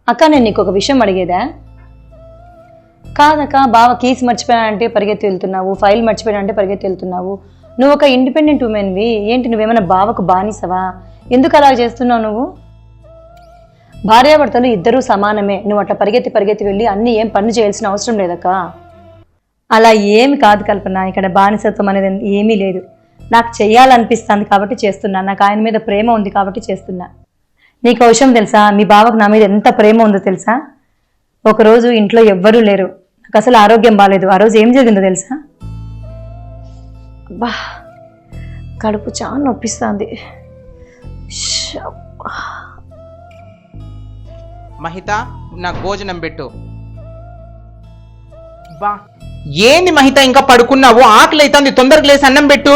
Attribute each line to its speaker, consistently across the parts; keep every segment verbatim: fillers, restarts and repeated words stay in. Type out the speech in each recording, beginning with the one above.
Speaker 1: అక్క నేను నీకు ఒక విషయం అడిగేదా? కాదక్క, బావ కీస్ మర్చిపోయానంటే పరిగెత్తి వెళ్తున్నావు, ఫైల్ మర్చిపోయానంటే పరిగెత్తి వెళ్తున్నావు. నువ్వు ఒక ఇండిపెండెంట్ ఉమెన్వి, ఏంటి నువ్వేమైనా బావకు బానిసవా? ఎందుకు అలా చేస్తున్నావు నువ్వు? భార్యాభర్తలు ఇద్దరూ సమానమే, నువ్వు అట్లా పరిగెత్తి పరిగెత్తి వెళ్ళి అన్ని ఏం పనులు చేయాల్సిన అవసరం లేదక్క. అలా ఏమి కాదు కల్పన, ఇక్కడ బానిసత్వం అనేది ఏమీ లేదు. నాకు చెయ్యాలనిపిస్తుంది కాబట్టి చేస్తున్నా, నాకు ఆయన మీద ప్రేమ ఉంది కాబట్టి చేస్తున్నా. నీకు ఒక విషయం తెలుసా, మీ బావకు నా మీద ఎంత ప్రేమ ఉందో తెలుసా? ఒకరోజు ఇంట్లో ఎవ్వరూ లేరు, నాకు అసలు ఆరోగ్యం బాగాలేదు. ఆ రోజు ఏం జరిగిందో తెలుసా? అబ్బా కడుపు చాలా నొప్పిస్తుంది.
Speaker 2: మహిత నాకు భోజనం పెట్టు. బా ఏంది మహిత ఇంకా పడుకున్నావు? ఆకలి అవుతుంది, తొందరగా లేసి అన్నం పెట్టు.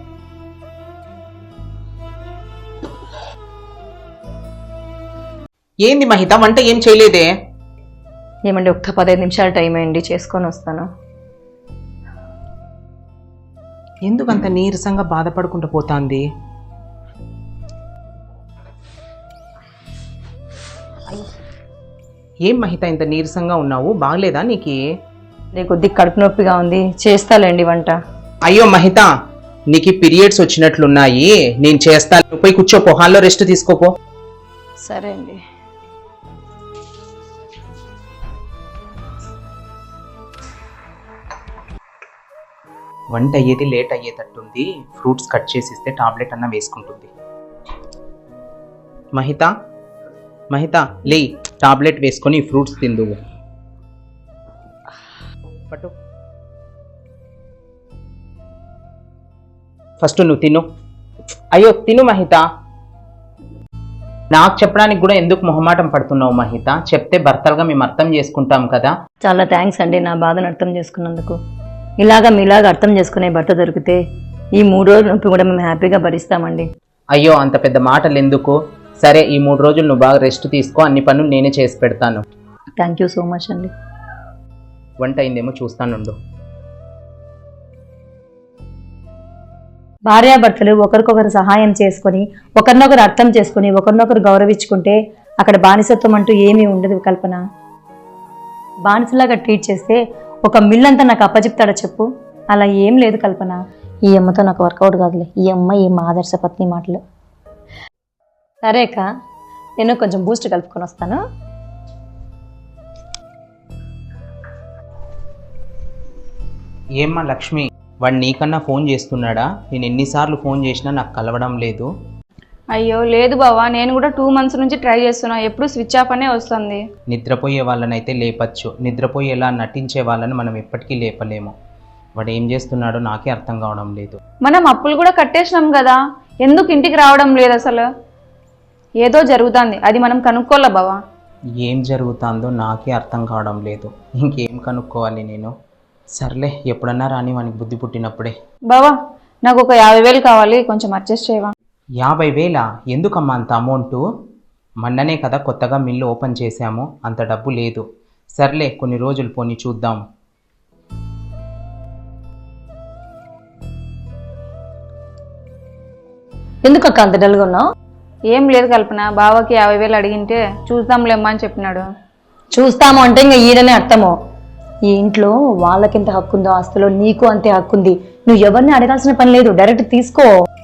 Speaker 2: ఏంది మహిత వంట ఏం చేయలేదే?
Speaker 1: ఏమండి ఒక్క పదహైదు నిమిషాలు టైం అయ్యండి, చేసుకొని వస్తాను.
Speaker 2: ఎందుకంత నీరసంగా బాధపడుకుంటూ పోతాంది? ఏం మహిత ఇంత నీరసంగా ఉన్నావు? బాగలేదా నీకు?
Speaker 1: నీ కొద్ది కడుపు నొప్పిగా ఉంది, చేస్తాలేండి వంట.
Speaker 2: అయ్యో మహిత, నీకు పీరియడ్స్ వచ్చినట్లున్నాయి, నేను చేస్తాను. పోయి కూర్చోపో, హాల్లో రెస్ట్ తీసుకోపో.
Speaker 1: సరే అండి.
Speaker 2: వంట అయ్యేది లేట్ అయ్యేటట్టుంది, ఫ్రూట్స్ కట్ చేసి ఇస్తే టాబ్లెట్ అన్న వేసుకుంటుంది. మహిత మహిత లే, టాబ్లెట్ వేసుకొని ఫ్రూట్స్ తిందు. పట్టు, ఫస్ట్ నువ్వు తిను. అయ్యో తిను మహిత. నాకు చెప్పడానికి కూడా ఎందుకు మొహమాటం పడుతున్నావు మహిత? చెప్తే భర్తలుగా మేము అర్థం చేసుకుంటాం కదా.
Speaker 1: చాలా థ్యాంక్స్ అండి నా బాధను అర్థం చేసుకున్నందుకు. ఇలాగా మీలాగా అర్థం చేసుకునే భర్త దొరికితే ఈ మూడు రోజుల నొప్పి కూడా మేము హ్యాపీగా భరిస్తామండి.
Speaker 2: అయ్యో అంత పెద్ద మాటలు ఎందుకు? సరే ఈ మూడు రోజులు నువ్వు బాగా రెస్ట్ తీసుకో, అన్ని పనులు నేనే చేసి పెడతాను.
Speaker 1: థ్యాంక్ యూ సో మచ్ అండి.
Speaker 2: వంట అయిందేమో చూస్తానుండు.
Speaker 1: భార్యాభర్తలు ఒకరికొకరు సహాయం చేసుకొని ఒకరినొకరు అర్థం చేసుకుని ఒకరినొకరు గౌరవించుకుంటే అక్కడ బానిసత్వం అంటూ ఏమీ ఉండదు కల్పన. బానిసలాగా ట్రీట్ చేస్తే ఒక మిల్లంతా నాకు అప్పచెప్తాడా చెప్పు? అలా ఏం లేదు కల్పన. ఈ అమ్మతో నాకు వర్కౌట్ కాదులే, ఈ అమ్మ ఈ మా ఆదర్శ పత్ని మాటలు. సరే అక్క, నేను కొంచెం బూస్ట్ కలుపుకొని వస్తాను.
Speaker 2: ఏమ్మా లక్ష్మి, వాడు నీకన్నా ఫోన్ చేస్తున్నాడా? నేను ఎన్నిసార్లు ఫోన్ చేసినా నాకు కలవడం లేదు.
Speaker 3: అయ్యో లేదు బావా, నేను కూడా టూ మంత్స్ నుంచి ట్రై చేస్తున్నా, ఎప్పుడు స్విచ్ ఆఫ్ అనే వస్తుంది.
Speaker 2: నిద్రపోయే వాళ్ళనైతే లేపచ్చు, నిద్రపోయేలా నటించే వాళ్ళని మనం ఎప్పటికీ లేపలేము. వాడు ఏం చేస్తున్నాడో నాకే అర్థం కావడం లేదు.
Speaker 3: మనం అప్పులు కూడా కట్టేసినాం కదా, ఎందుకు ఇంటికి రావడం లేదు? అసలు ఏదో జరుగుతుంది, అది మనం కనుక్కోవాలా బావా.
Speaker 2: ఏం జరుగుతుందో నాకే అర్థం కావడం లేదు, ఇంకేం కనుక్కోవాలి నేను? సర్లే, ఎప్పుడన్నా రాని వానికి బుద్ధి పుట్టినప్పుడే.
Speaker 3: బావా నాకు ఒక యాభై వేలు కావాలి, కొంచెం అడ్జస్ట్ చేయవా?
Speaker 2: యాభై వేలా? ఎందుకమ్మా అంత అమౌంటు? మొన్ననే కదా కొత్తగా మిల్లు ఓపెన్ చేశాము, అంత డబ్బు లేదు. సర్లే కొన్ని రోజులు పోని చూద్దాం.
Speaker 1: ఎందుకు అక్క అంత డల్గా ఉన్నావు?
Speaker 3: ఏం లేదు కల్పన, బావకి యాభై వేలు అడిగింటే చూద్దాంలేమ్మా అని చెప్పినాడు.
Speaker 1: చూస్తాము అంటే ఇంకా ఈడనే అర్థము. ఈ ఇంట్లో వాళ్ళకింత హక్కు ఉందో ఆస్తిలో నీకు అంతే హక్కు ఉంది. నువ్వు ఎవరిని అడగాల్సిన పని లేదు, డైరెక్ట్ తీసుకో.